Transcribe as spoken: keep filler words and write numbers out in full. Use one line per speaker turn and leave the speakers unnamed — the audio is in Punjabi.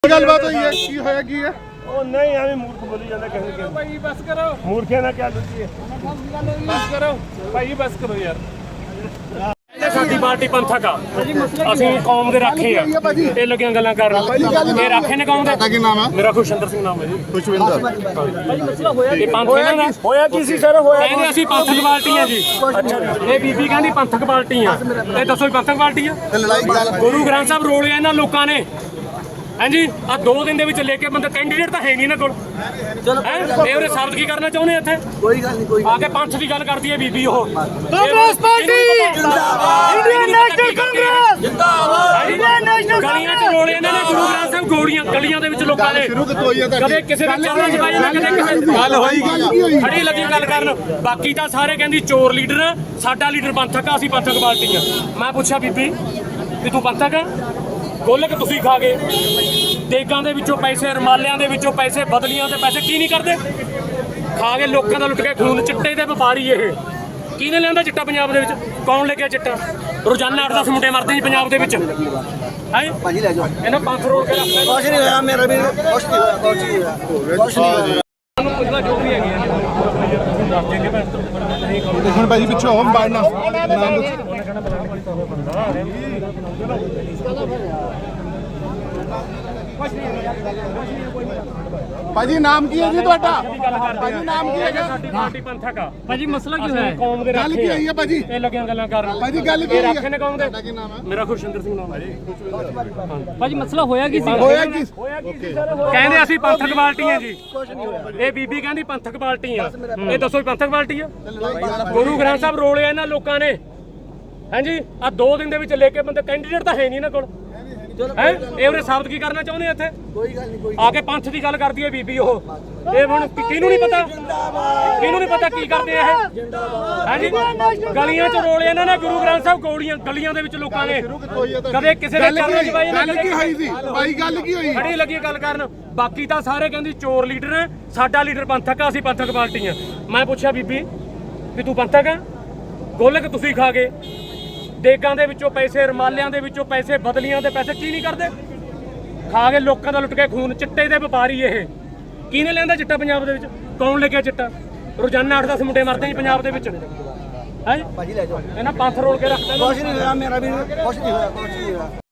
ਗੱਲਬਾਤ ਹੋਈ ਹੈ ਕੀ ਹੋਇਆ ਕੀ ਹੈ
ਉਹ ਨਹੀਂ ਐਵੇਂ ਮੂਰਖ ਬੋਲੀ ਜਾਂਦਾ ਕਿਸੇ ਨੂੰ ਭਾਈ ਬਸ ਕਰੋ ਮੂਰਖਿਆਂ ਨਾਲ ਕਿਆ ਲੁੱਟੀ ਹੈ ਬਸ ਕਰੋ ਭਾਈ ਬਸ ਕਰੋ ਯਾਰ ਸਾਡੀ ਪਾਰਟੀ ਪੰਥਕ ਆ ਅਸੀਂ ਕੌਮ ਦੇ ਰਾਖੇ ਆ ਇਹ ਲੱਗੀਆਂ ਗੱਲਾਂ ਕਰਨ ਇਹ ਰਾਖੇ ਨੇ ਕੌਮ ਦੇ
ਕੀ ਨਾਮ ਹੈ
ਮੇਰਾ ਖੁਸ਼ਵਿੰਦਰ ਸਿੰਘ ਨਾਮ ਹੈ ਜੀ
ਖੁਸ਼ਵਿੰਦਰ
ਇਹ ਪੰਥ ਇਹਨਾਂ ਦਾ ਹੋਇਆ ਕੀ ਸੀ ਸਰ ਹੋਇਆ ਕਹਿੰਦੇ ਅਸੀਂ ਪੰਥਕ ਪਾਰਟੀ ਆ ਜੀ ਅੱਛਾ ਇਹ ਬੀਬੀ ਕਹਿੰਦੀ ਪੰਥਕ ਪਾਰਟੀ ਆ ਇਹ ਦੱਸੋ ਪੰਥਕ ਪਾਰਟੀ ਆ ਗੁਰੂ ਗ੍ਰੰਥ ਸਾਹਿਬ ਰੋਲਿਆ ਇਹਨਾਂ ਲੋਕਾਂ ਨੇ ਹਾਂਜੀ ਆ ਦੋ ਦਿਨ ਦੇ ਵਿੱਚ ਲੈ ਕੇ ਬੰਦਾ ਕੈਂਡੀਡੇਟ ਤਾਂ ਹੈ ਨਹੀਂ ਨਾ ਕੋਲ ਚਲੋ ਇਹ ਉਹਨੇ ਸਾਬਤ ਕੀ ਕਰਨਾ ਚਾਹੁੰਦੇ ਇੱਥੇ ਕੋਈ ਗੱਲ ਨਹੀਂ ਕੋਈ ਆ ਕੇ ਪੰਥ ਦੀ ਗੱਲ ਕਰਦੀ ਹੈ ਬੀਬੀ ਉਹ
ਕਾਂਗਰਸ ਪਾਰਟੀ ਜਿੰਦਾਬਾਦ ਇੰਡੀਅਨ ਨੈਸ਼ਨਲ ਕਾਂਗਰਸ ਜਿੰਦਾਬਾਦ ਇੰਡੀਅਨ ਨੈਸ਼ਨਲ
ਗਲੀਆਂ ਚ ਰੋਲੇ ਇਹਨਾਂ ਨੇ ਗੁਰੂ ਗ੍ਰੰਥ ਸਾਹਿਬ ਗੋਲੀਆਂ ਗਲੀਆਂ ਦੇ ਵਿੱਚ ਲੋਕਾਂ ਨੇ
ਸ਼ੁਰੂ ਕਿਤੋਂ ਹੋਈ ਹੈ
ਕਦੇ ਕਿਸੇ ਦੇ ਚਰਨਾਂ 'ਚ ਪਾਈ ਨਾ ਕਦੇ ਕਿਸੇ
ਗੱਲ ਹੋਈ ਕੀ ਹੋਈ
ਖੜੀ ਲੱਗੀ ਗੱਲ ਕਰਨ ਬਾਕੀ ਤਾਂ ਸਾਰੇ ਕਹਿੰਦੀ ਚੋਰ ਲੀਡਰ ਆ ਸਾਡਾ ਲੀਡਰ ਪੰਥਕ ਆ ਅਸੀਂ ਪੰਥਕ ਪਾਰਟੀ ਆ ਮੈਂ ਪੁੱਛਿਆ ਬੀਬੀ ਵੀ ਤੂੰ ਪੰਥਕ ਆ ਗੋਲਕ ਤੁਸੀਂ ਖਾ ਗਏ ਦੇਗਾਂ ਦੇ ਵਿੱਚੋਂ ਪੈਸੇ ਰਮਾਲਿਆਂ ਦੇ ਵਿੱਚੋਂ ਪੈਸੇ ਬਦਲੀਆਂ ਦੇ ਪੈਸੇ ਕੀ ਨਹੀਂ ਕਰਦੇ ਖਾ ਕੇ ਲੋਕਾਂ ਦਾ ਲੁੱਟ ਕੇ ਖੂਨ ਚਿੱਟੇ ਦੇ ਵਪਾਰੀ ਇਹ ਕਿਹਨੇ ਲਿਆਂਦਾ ਚਿੱਟਾ ਪੰਜਾਬ ਦੇ ਵਿੱਚ ਕੌਣ ਲੈ ਗਿਆ ਚਿੱਟਾ ਰੋਜ਼ਾਨਾ ਅੱਠ ਦਸ ਮੁੰਡੇ ਮਰਦੇ ਜੀ ਪੰਜਾਬ ਦੇ ਵਿੱਚ ਹੈ ਭਾਜੀ ਲੈ ਜਾਓ ਇਹਨਾਂ ਪੰਜ ਰੋਲ ਕੇ ਰੱਖਦੇ
ਕੁਛ ਨਹੀਂ ਹੋਇਆ ਮੇਰਾ ਵੀ ਕੁਛ ਨਹੀਂ ਹੋਇਆ ਕੁਛ ਨਹੀਂ ਹੋਇਆ ਕੁਛ ਨਹੀਂ ਹੋਇਆ
ਤੁਹਾਨੂੰ ਪੁੱਛਦਾ ਜੋ ਵੀ ਹੈਗੀ
ਦੇਖਣ ਭਾਜੀ ਪਿੱਛੇ ਹੋਮ ਬਾੜਨਾ ਨਾਮ ਦੱਸੋ ਭਾਜੀ ਨਾਮ ਕੀ ਹੈ ਜੀ ਤੁਹਾਡਾ ਭਾਜੀ ਨਾਮ ਕੀ ਹੈਗਾ
ਸਾਡੀ ਪਾਰਟੀ ਪੰਥਕ ਆ
ਭਾਜੀ ਮਸਲਾ ਕੀ ਹੋਇਆ
ਕੌਮ ਦੇ
ਗੱਲ
ਰਾਖੇ
ਕੀ ਹੋਈ ਹੈ ਭਾਜੀ
ਇਹ ਲੱਗੀਆਂ ਗੱਲਾਂ ਕਰਨ
ਭਾਜੀ ਗੱਲ ਕੀ
ਇਹ
ਹੋਈ
ਰਾਖੇ ਨੇ ਕੌਮ ਦੇ
ਕੀ ਨਾਮ ਹੈ
ਮੇਰਾ ਖੁਸ਼ਵਿੰਦਰ ਸਿੰਘ ਨਾਮ ਹੈ ਜੀ
ਭਾਜੀ ਮਸਲਾ ਹੋਇਆ ਕੀ ਸੀ
ਹੋਇਆ ਕੀ
ਹੋਇਆ ਕੀ ਸੀ ਸਰ ਕਹਿੰਦੇ ਅਸੀਂ ਪੰਥਕ ਪਾਰਟੀ ਆ ਜੀ ਇਹ ਬੀਬੀ ਕਹਿੰਦੀ ਪੰਥਕ ਪਾਰਟੀ ਆ ਇਹ ਦੱਸੋ ਵੀ ਪੰਥਕ ਪਾਰਟੀ ਆ ਗੁਰੂ ਗ੍ਰੰਥ ਸਾਹਿਬ ਰੋਲਿਆ ਇਹਨਾਂ ਲੋਕਾਂ ਨੇ ਹਾਂਜੀ ਆ ਦੋ ਦਿਨ ਦੇ ਵਿੱਚ ਲੈ ਕੇ ਬੰਦੇ ਕੈਂਡੀਡੇਟ ਤਾਂ ਹੈ ਨਹੀਂ ਇਹਨਾਂ ਕੋਲ ਹੈ ਇਹ ਉਹਨੇ ਸਾਬਤ ਕੀ ਕਰਨਾ ਚਾਹੁੰਦੇ ਇੱਥੇ
ਕੋਈ ਗੱਲ ਨਹੀਂ ਕੋਈ
ਆ ਕੇ ਪੰਥ ਦੀ ਗੱਲ ਕਰਦੀ ਹੈ ਬੀਬੀ ਉਹ ਇਹ ਹੁਣ ਕਿਹਨੂੰ ਨਹੀਂ ਪਤਾ ਕਿਹਨੂੰ ਨਹੀਂ ਪਤਾ ਕੀ ਕਰਦੇ ਆ ਇਹ ਹਾਂਜੀ ਗਲੀਆਂ 'ਚ ਰੋਲੇ ਇਹਨਾਂ ਨੇ ਗੁਰੂ ਗ੍ਰੰਥ ਸਾਹਿਬ ਗੋਲੀਆਂ ਗਲੀਆਂ ਦੇ ਵਿੱਚ ਲੋਕਾਂ ਨੇ ਕਦੇ ਕਿਸੇ ਦੇ ਚਰਨਾਂ 'ਚ ਪਾਈ ਨਾ
ਗੱਲ ਕੀ ਹੋਈ ਸੀ ਭਾਈ ਗੱਲ ਕੀ ਹੋਈ
ਖੜੀ ਲੱਗੀ ਗੱਲ ਕਰਨ ਬਾਕੀ ਤਾਂ ਸਾਰੇ ਕਹਿੰਦੀ ਚੋਰ ਲੀਡਰ ਹੈ ਸਾਡਾ ਲੀਡਰ ਪੰਥਕ ਆ ਅਸੀਂ ਪੰਥਕ ਪਾਰਟੀ ਆ ਮੈਂ ਪੁੱਛਿਆ ਬੀਬੀ ਵੀ ਤੂੰ ਪੰਥਕ ਆ ਗੋਲਕ ਤੁਸੀਂ ਖਾ ਗਏ ਦੇਗਾਂ ਦੇ ਵਿੱਚੋਂ ਪੈਸੇ ਰਮਾਲਿਆਂ ਦੇ ਵਿੱਚੋਂ ਪੈਸੇ ਬਦਲੀਆਂ ਦੇ ਪੈਸੇ ਕੀ ਨਹੀਂ ਕਰਦੇ ਖਾ ਕੇ ਲੋਕਾਂ ਦਾ ਲੁੱਟ ਕੇ ਖੂਨ ਚਿੱਟੇ ਦੇ ਵਪਾਰੀ ਇਹ ਕਿਹਨੇ ਲਿਆਂਦਾ ਚਿੱਟਾ ਪੰਜਾਬ ਦੇ ਵਿੱਚ ਕੌਣ ਲੈ ਗਿਆ ਚਿੱਟਾ ਰੋਜ਼ਾਨਾ ਅੱਠ ਦਸ ਮੁੰਡੇ ਮਰਦੇ ਜੀ ਪੰਜਾਬ ਦੇ ਵਿੱਚ ਹੈ
ਭਾਜੀ ਲੈ ਜਾਓ
ਇਹਨਾਂ ਪੰਥ ਰੋਲ ਕੇ ਰੱਖਦੇ
ਕੁਛ ਨਹੀਂ ਹੋਇਆ ਮੇਰਾ ਵੀ ਕੁਛ ਨਹੀਂ ਹੋਇਆ ਕੁਛ ਨਹੀਂ ਹੋਇਆ